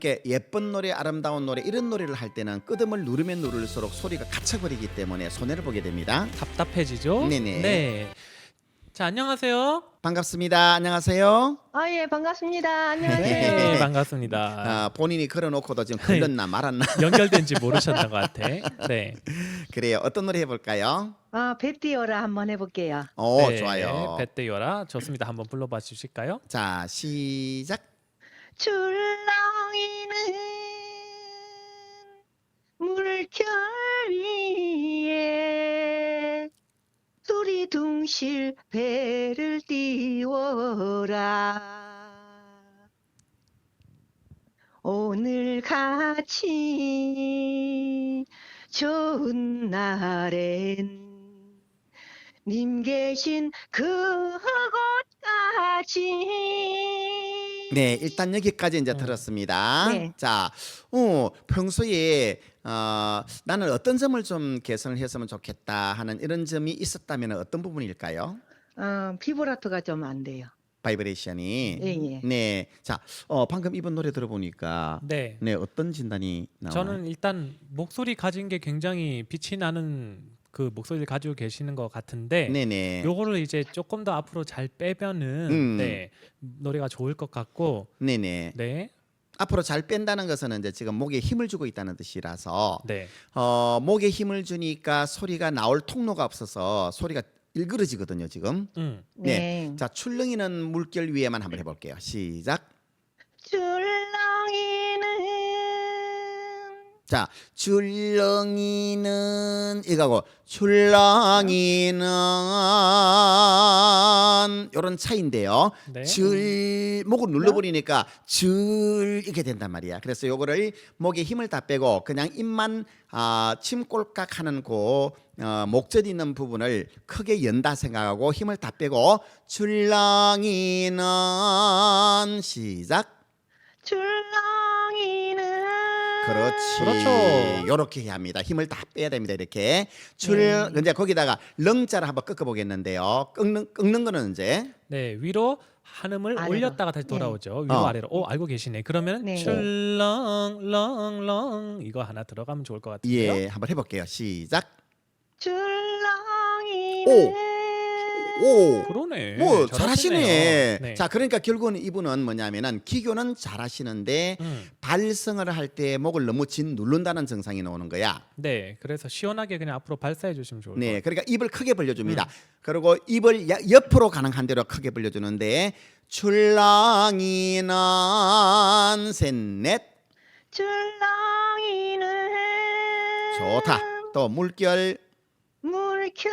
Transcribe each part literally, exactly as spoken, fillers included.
이렇게 예쁜 노래, 아름다운 노래 이런 노래를 할 때는 끄듬을 누르면 누를수록 소리가 갇혀버리기 때문에 손해를 보게 됩니다. 답답해지죠? 네네. 네. 자, 안녕하세요. 반갑습니다. 안녕하세요. 아, 예, 반갑습니다. 네, 안녕하세요. 반갑습니다. 아, 본인이 걸어놓고도 지금 걸렸나 말았나. 연결된지 모르셨던 것 같아. 네. 그래요. 어떤 노래 해볼까요? 아, 배 띄어라 한번 해볼게요. 오, 네, 좋아요. 배때요라 좋습니다. 한번 불러봐 주실까요? 자, 시작. 출렁이는 물결 위에 두리둥실 배를 띄워라. 오늘 같이 좋은 날엔 님 계신 그곳까지. 네, 일단 여기까지 이제 음. 들었습니다. 네. 자, 어, 평소에 어, 나는 어떤 점을 좀 개선을 했으면 좋겠다 하는 이런 점이 있었다면 어떤 부분일까요? 어, 비브라토가 좀 안 돼요. 바이브레이션이. 예, 예. 네, 자, 어, 방금 이번 노래 들어보니까 네. 네, 어떤 진단이 나와요? 저는 일단 목소리 가진 게 굉장히 빛이 나는 그 목소리를 가지고 계시는 것 같은데 네네. 요거를 이제 조금 더 앞으로 잘 빼면은 음. 네, 노래가 좋을 것 같고 네네. 네. 앞으로 잘 뺀다는 것은 이제 지금 목에 힘을 주고 있다는 뜻이라서 네. 어, 목에 힘을 주니까 소리가 나올 통로가 없어서 소리가 일그러지거든요, 지금. 음. 네. 네. 자, 출렁이는 물결 위에만 한번 해볼게요. 시작. 출렁이는 자, 출렁이는 이거고 출렁이는 이런 차이인데요. 네. 줄 목을 눌러버리니까 줄 이렇게 된단 말이야. 그래서 요거를 목에 힘을 다 빼고 그냥 입만 아, 침꼴깍 하는 그 어, 목젖 있는 부분을 크게 연다 생각하고 힘을 다 빼고 출렁이는 시작. 출렁이는 그렇지. 그렇죠. 요렇게 해야 합니다. 힘을 다 빼야 됩니다. 이렇게 출 네. 이제 거기다가 렁자를 한번 꺾어 보겠는데요. 꺾는 꺾는 거는 이제 네, 위로 한음을 아래로. 올렸다가 다시 네. 돌아오죠. 위로 어. 아래로. 오, 알고 계시네. 그러면 네. 출렁렁렁 이거 하나 들어가면 좋을 것 같은데요. 예, 한번 해 볼게요. 시작. 출렁이는 오. 그러네. 뭐 잘하시네요. 잘하시네. 네. 자, 그러니까 결국은 이분은 뭐냐면은 기교는 잘하시는데 음. 발성을 할 때 목을 너무 진 누른다는 증상이 나오는 거야. 네, 그래서 시원하게 그냥 앞으로 발사해 주시면 좋을 것 네, 같아요. 그러니까 입을 크게 벌려줍니다. 음. 그리고 입을 야- 옆으로 가능한 대로 크게 벌려주는데 출렁이는 셋넷 출렁이는 좋다. 또 물결 물결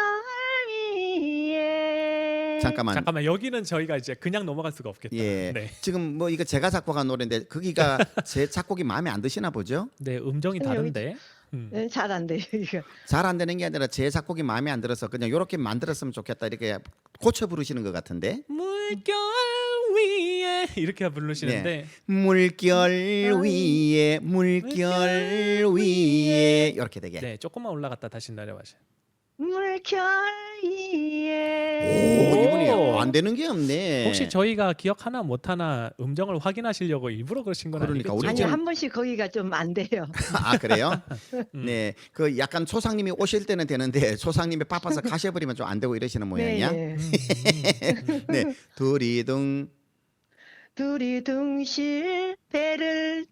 위에 잠깐만. 잠깐만 여기는 저희가 이제 그냥 넘어갈 수가 없겠다. 예, 네, 지금 뭐 이거 제가 작곡한 노래인데 거기가 제 작곡이 마음에 안 드시나 보죠? 네 음정이 여기- 다른데. 음. 네, 잘 안 돼요 이거. 잘 안 되는 게 아니라 제 작곡이 마음에 안 들어서 그냥 이렇게 만들었으면 좋겠다 이렇게 고쳐 부르시는 것 같은데 물결 위에 이렇게 부르시는데 물결 위에 물결 위에 이렇게 되게. 네, 조금만 올라갔다 다시 내려가시. 물결 오, 위에 이분이 오. 안 되는 게 없네. 혹시 저희가 기억 하나 못 하나 음정을 확인하시려고 일부러 그러신 건 그러니까 아니겠죠? 우리 아니 지금- 한 번씩 거기가 좀 안 돼요. 아 그래요? 음. 네, 그 약간 초상님이 오실 때는 되는데 초상님이 바빠서 가셔버리면 좀 안 되고 이러시는 모양이야. 네, 음, 네. 음, 음. 네, 두리둥. 두리둥실 배를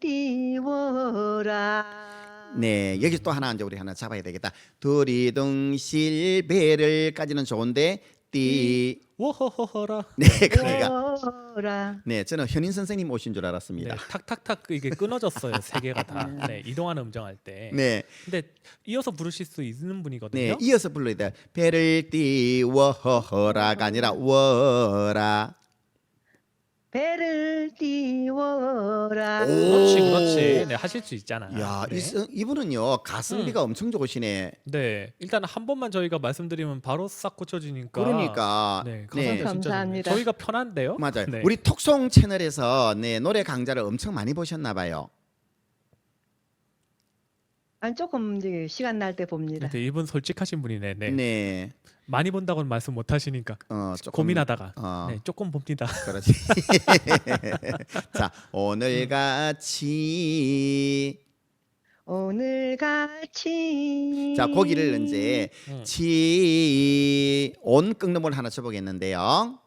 띄워라. 네, 여기 또 하나 이제 우리 하나 잡아야 되겠다. 두리둥실 배를까지는 좋은데 띠. 워허허허라. 네, 그러니까. 오라. 네, 저는 현인 선생님 오신 줄 네, 알았습니다. 탁탁탁 이게 끊어졌어요. 세 개가 다. 네, 이동하는 음정할 때. 네, 근데 이어서 부르실 수 있는 분이거든요. 네, 이어서 불러야 돼. 배를 띄워라가 아니라 워라. 배를 띄워라. 오. 그렇지, 그렇지. 네, 하실 수 있잖아. 야, 네. 이, 선- 이분은요 가성비가 엄청 좋으시네. 네, 일단 한 번만 저희가 말씀드리면 바로 싹 고쳐지니까. 그러니까 네, 네. 가성비 진짜 감사합니다. 좋네요. 저희가 편한데요. 맞아요. 네. 우리 톡송 채널에서 네, 노래 강좌를 엄청 많이 보셨나 봐요. 아니 조금 이제 시간 날 때 봅니다. 근데 이분 솔직하신 분이네. 네. 네. 많이 본다고는 말씀 못 하시니까 어, 조금 고민하다가 어, 네, 조금 봅니다. 그렇지. 자, 오늘 같이 오늘 같이 자, 고기를 이제 음. 치, 온 꺾는 하나 쳐보겠는데요.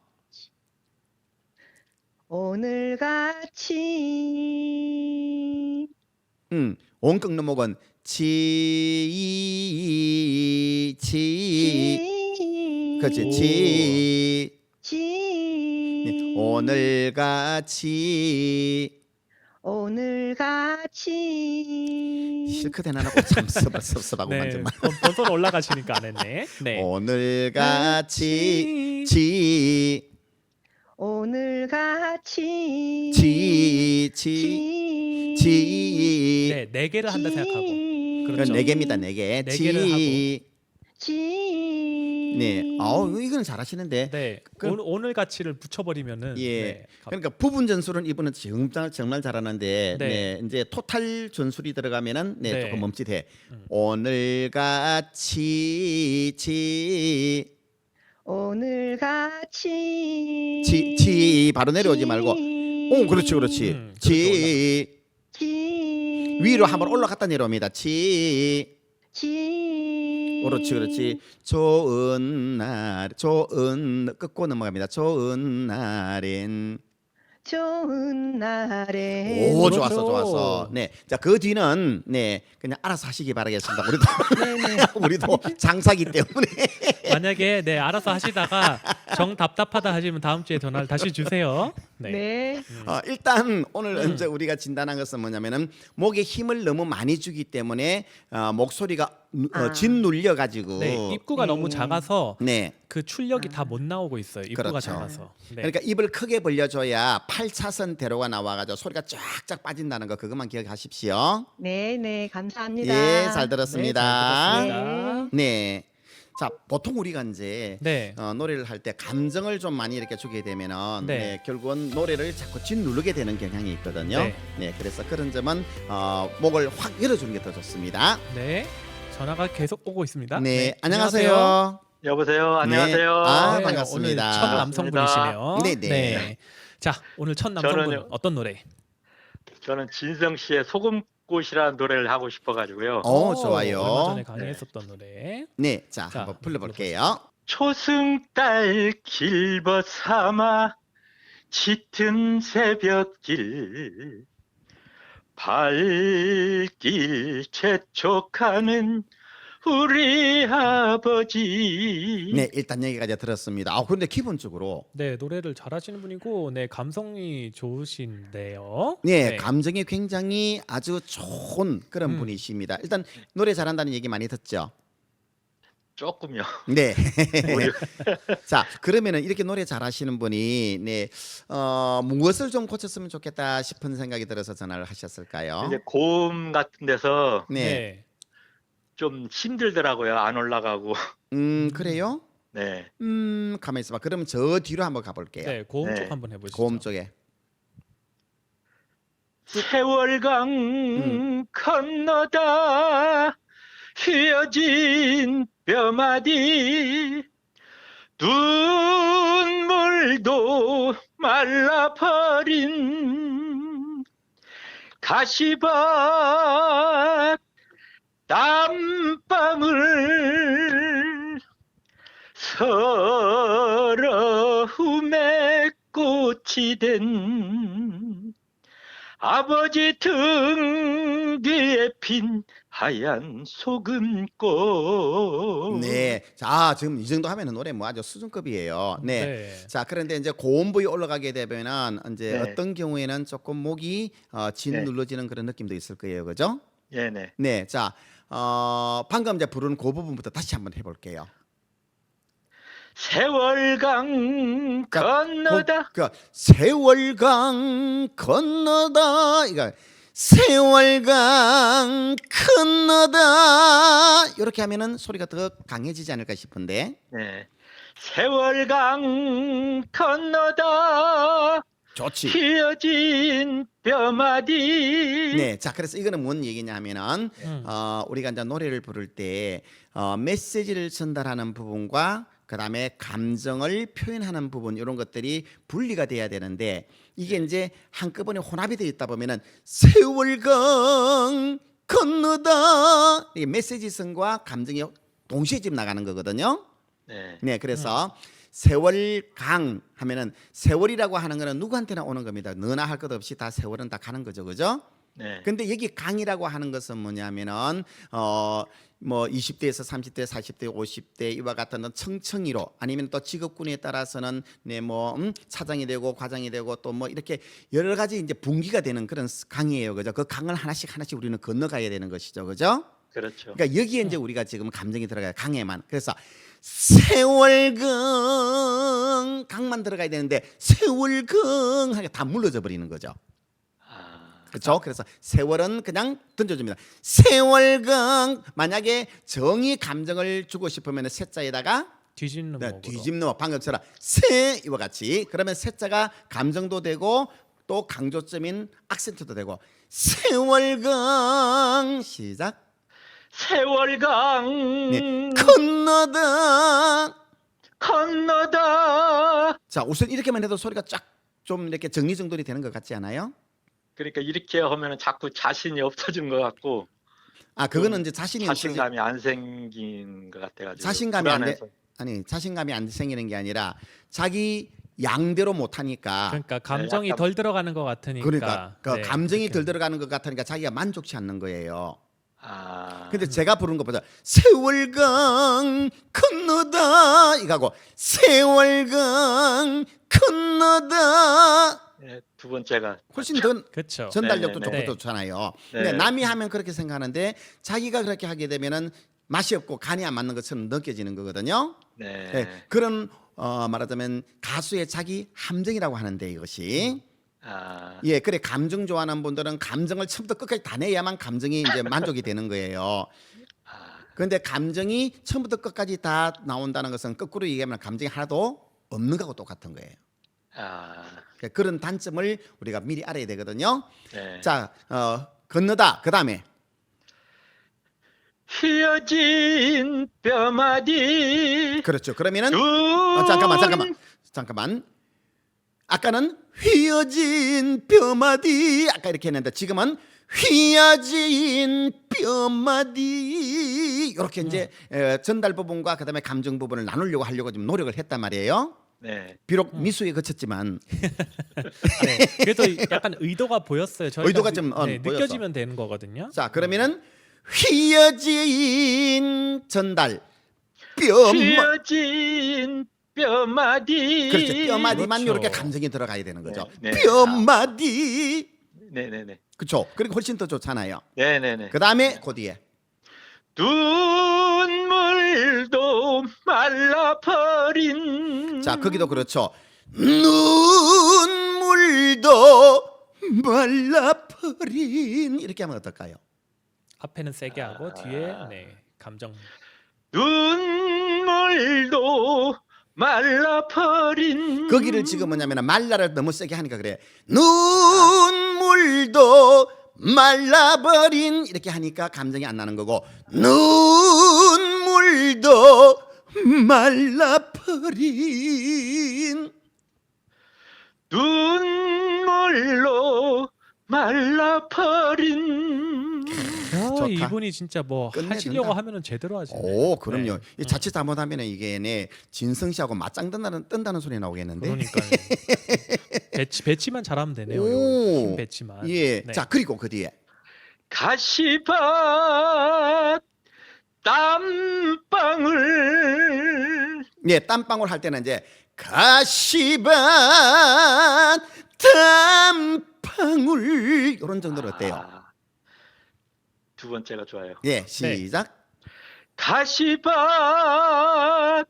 오늘 같이 음, 온 꺾는 목은 치, 치, 그렇지, 치. 치 네, 오늘 같이 오늘 같이 실컷 해놔놓고 참 섭- 섭섭하고만 네. 정말. 번- 번선 올라가시니까 안 했네. 네. 오늘 같이 치, 오늘 같이 치, 치, 치 치. 네, 네 개를 한다 생각하고. 이건 그렇죠. 네 개입니다. 네 개. 네 개를 치. 치 네. 아우 이건 잘하시는데. 네. 그럼- 오늘, 오늘 가치를 붙여버리면은 예. 네. 가- 그러니까 부분 전술은 이분은 정말 정말 잘하는데, 네. 네. 이제 토탈 전술이 들어가면은 네, 네. 조금 멈칫해. 음. 오늘 같이 치, 오늘 같이 치, 치 바로 내려오지 말고. 오, 그렇지, 그렇지. 음, 치 치 위로 한번 올라갔다 내려옵니다. 치. 치 그렇지, 그렇지. 좋은 날, 좋은 끝고 넘어갑니다. 좋은 날엔. 좋은 날에 오, 그렇죠. 좋았어, 좋았어. 네, 자 그 뒤는 네 그냥 알아서 하시기 바라겠습니다. 우리도 네네. 우리도 장사기 때문에. 만약에 네 알아서 하시다가 정 답답하다 하시면 다음 주에 전화를 다시 주세요. 네. 네. 어, 일단 오늘 음. 이제 우리가 진단한 것은 뭐냐면은 목에 힘을 너무 많이 주기 때문에 어, 목소리가 누- 어, 아. 짓눌려 가지고. 네, 입구가 네. 너무 작아서 네. 그 출력이 다 못 나오고 있어요. 입구가 그렇죠. 작아서. 네. 그러니까 입을 크게 벌려줘야 팔 차선 대로가 나와가지고 소리가 쫙쫙 빠진다는 거 그것만 기억하십시오. 네네 감사합니다. 예, 잘 네, 들었습니다. 잘 들었습니다. 네. 자, 보통 우리가 이제 네. 어, 노래를 할 때 감정을 좀 많이 이렇게 주게 되면은 네. 네, 결국은 노래를 자꾸 짓누르게 되는 경향이 있거든요. 네. 네, 그래서 그런 점은 어, 목을 확 열어주는 게 더 좋습니다. 네. 전화가 계속 오고 있습니다. 네, 안녕하세요. 여보세요. 안녕하세요. 아, 네, 반갑습니다. 오늘 첫 남성분이시네요. 네, 네. 자, 오늘 첫 남성분 저는요. 어떤 노래? 저는 진성 씨의 소금꽃이라는 노래를 하고 싶어가지고요. 어, 좋아요. 얼마 전에 강의했었던 노래. 네, 자, 자, 한번 불러볼게요. 초승달 길벗 삼아 짙은 새벽길 발길 재촉하는 우리 아버지. 네, 일단 여기까지 들었습니다. 아, 근데 기본적으로 네, 노래를 잘하시는 분이고, 네, 감성이 좋으신데요. 네, 감정이 굉장히 아주 좋은 그런 음. 분이십니다. 일단 노래 잘한다는 얘기 많이 듣죠. 조금요. 네. 자, 그러면은 이렇게 노래 잘하시는 분이 네, 어, 무엇을 좀 고쳤으면 좋겠다 싶은 생각이 들어서 전화를 하셨을까요? 이제 고음 같은 데서 네. 네. 좀 힘들더라고요. 안 올라가고. 음, 그래요? 네. 음, 가만히 있어봐. 그럼 저 뒤로 한번 가볼게요. 네, 고음 네. 쪽 한번 해보시죠. 고음 쪽에. 세월강 음. 건너다 휘어진 뼈마디 눈물도 말라버린 가시밭 땀방울 서러움의 꽃이 된 아버지 등 뒤에 핀 하얀 소금꽃. 네. 자, 지금 이 정도 하면은 노래 뭐 아주 수준급이에요. 네. 네. 자, 그런데 이제 고음 부위 올라가게 되면은 이제 네. 어떤 경우에는 조금 목이 어, 진 네. 눌러지는 그런 느낌도 있을 거예요. 그죠? 네네. 네. 자, 어, 방금 이제 부른 그 부분부터 다시 한번 해 볼게요. 세월강 자, 건너다. 그, 그 세월강 건너다. 이거 세월강 건너다. 이렇게 하면은 소리가 더 강해지지 않을까 싶은데. 네. 세월강 건너다 좋지. 휘어진 뼈마디. 네, 자 그래서 이거는 뭔 얘기냐면은 음. 어, 우리가 이제 노래를 부를 때 어, 메시지를 전달하는 부분과 그다음에 감정을 표현하는 부분 이런 것들이 분리가 돼야 되는데 이게 이제 한꺼번에 혼합이 되어 있다 보면은 세월강 건너다 이게 메시지성과 감정이 동시에 지금 나가는 거거든요. 네. 네, 그래서 세월강 하면은 세월이라고 하는 거는 누구한테나 오는 겁니다. 너나 할 것 없이 다 세월은 다 가는 거죠, 그죠? 네. 근데 여기 강이라고 하는 것은 뭐냐면은 어 뭐 이십 대에서 삼십 대, 사십 대, 오십 대 이와 같은 청청이로 아니면 또 직업군에 따라서는 네뭐 음, 차장이 되고 과장이 되고 또 뭐 이렇게 여러 가지 이제 분기가 되는 그런 강이에요, 그죠? 그 강을 하나씩 하나씩 우리는 건너가야 되는 것이죠, 그죠? 그렇죠. 그러니까 여기에 이제 우리가 지금 감정이 들어가요, 강에만. 그래서 세월강 강만 들어가야 되는데 세월강 하게 다 물러져 버리는 거죠. 아, 그렇죠? 그래서 세월은 그냥 던져줍니다. 세월강 만약에 정의 감정을 주고 싶으면 세자에다가 뒤집는 네, 목으로. 뒤집는 방금처럼 세 이와 같이 그러면 세자가 감정도 되고 또 강조점인 악센트도 되고 세월강 시작. 세월강 네, 건너다. 건너다. 자 우선 이렇게만 해도 소리가 쫙 좀 이렇게 정리정돈이 되는 것 같지 않아요? 그러니까 이렇게 하면은 자꾸 자신이 없어진 것 같고 아 그거는 좀 이제 자신이 없어지- 자신감이 안 생긴 것 같아가지고 자신감이 안 돼- 불안해서. 아니 자신감이 안 생기는 게 아니라 자기 양대로 못 하니까 그러니까 감정이 약간- 덜 들어가는 것 같으니까. 그러니까 그 네, 감정이 그렇게 덜 들어가는 것 같으니까 자기가 만족치 않는 거예요. 아, 근데 제가 부른 것보다 세월강 건너다 이거하고 세월강 건너다 네, 두 번째가 훨씬 더 그렇죠. 전달력도 네, 네, 네. 좋고 좋잖아요. 네. 근데 남이 하면 그렇게 생각하는데 자기가 그렇게 하게 되면은 맛이 없고 간이 안 맞는 것처럼 느껴지는 거거든요. 네. 네, 그런 어, 말하자면 가수의 자기 함정이라고 하는데 이것이 아, 예 그래 감정 좋아하는 분들은 감정을 처음부터 끝까지 다 내야만 감정이 이제 만족이 되는 거예요. 아, 그런데 감정이 처음부터 끝까지 다 나온다는 것은 거꾸로 얘기하면 감정이 하나도 없는 거하고 똑같은 거예요. 아, 그러니까 그런 단점을 우리가 미리 알아야 되거든요. 네. 자 어, 건너다 그 다음에 휘어진 뼈마디. 그렇죠. 그러면은 눈. 어, 잠깐만 잠깐만 잠깐만 아까는 휘어진 뼈마디 아까 이렇게 했는데 지금은 휘어진 뼈마디 이렇게 이제 에, 전달 부분과 그다음에 감정 부분을 나누려고 하려고 지금 노력을 했단 말이에요. 네. 비록 미수에 그쳤지만 네. 그래도 약간 의도가 보였어요. 저희가 의도가 느- 좀, 어, 네, 보였어. 느껴지면 되는 거거든요. 자 그러면은 휘어진 전달 뼈마 휘어진 뼈마디. 그렇죠. 뼈마디만 그렇죠. 이렇게 감정이 들어가야 되는 거죠. 네, 네. 뼈마디 네네네. 그렇죠. 그리고 훨씬 더 좋잖아요. 네네네. 그 다음에 그 뒤에 눈물도 말라버린. 자 거기도 그렇죠. 눈물도 말라버린 이렇게 하면 어떨까요? 앞에는 세게 하고 아. 뒤에 네, 감정. 눈물도 말라버린. 거기를 지금 뭐냐면 말라를 너무 세게 하니까 그래. 눈물도 말라버린 이렇게 하니까 감정이 안 나는 거고 눈물도 말라버린 눈물로 말라버린. 야, 좋다. 이분이 진짜 뭐 끝내준다. 하시려고 하면은 제대로 하시네. 오 그럼요. 네. 이 자칫 잘못하면 이게 내 진성 씨하고 맞짱 뜬다는 뜬다는 소리 나오겠는데. 그러니까요. 배치 배치만 잘하면 되네요. 오. 요 힘 배치만. 예. 네. 자 그리고 그 뒤에 가시밭 땀방울. 예 땀방울 할 때는 이제 가시밭 땀방울 이런 정도로 어때요? 아, 두 번째가 좋아요. 예 시작. 가시밭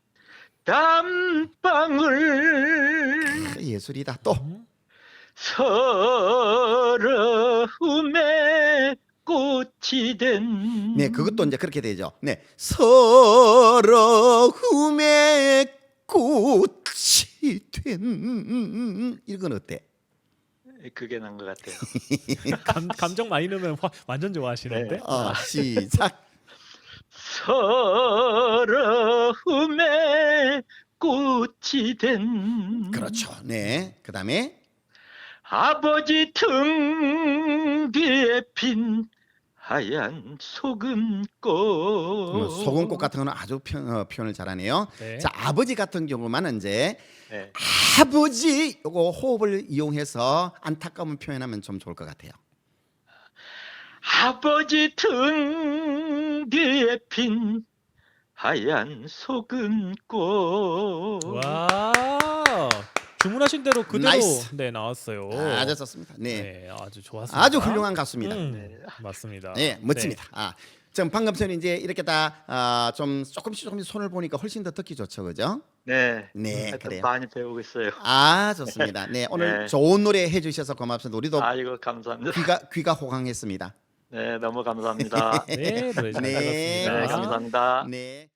땀방울. 예술이다. 또 음? 서러움에 꽃이 된. 네, 그것도 이제 그렇게 되죠. 네, 서러움에 꽃이 된 이건 어때? 그게 난 것 같아요. 감, 감정 많이 넣으면 화- 완전 좋아하시는데. 어, 시작. 서러움에 꽃이 된 그렇죠. 네. 그다음에 아버지 등 뒤에 핀 하얀 소금꽃. 뭐 소금꽃 같은 거는 아주 표, 어, 표현을 잘하네요. 네. 자, 아버지 같은 경우만 이제 네. 아버지 요거 호흡을 이용해서 안타까움을 표현하면 좀 좋을 것 같아요. 아버지 등 뒤에 핀 하얀 소금꽃. 와. 주문하신 대로 그대로 나이스. 네 나왔어요. 아주 좋습니다. 네. 네, 아주 좋았습니다. 아주 훌륭한 가수입니다. 음, 네. 맞습니다. 네, 멋집니다. 아, 지금 방금 전에 이제 이렇게 다 좀 조금씩 조금씩 손을 보니까 훨씬 더 듣기 좋죠, 그죠? 네. 네, 하여튼 그래요. 많이 배우고 있어요. 아, 좋습니다. 네, 오늘 네. 좋은 노래 해주셔서 고맙습니다. 우리도 아이고 감사합니다. 귀가 귀가 호강했습니다. 네, 너무 감사합니다. 네, 노래 잘 네, 들었습니다. 네, 감사합니다. 네.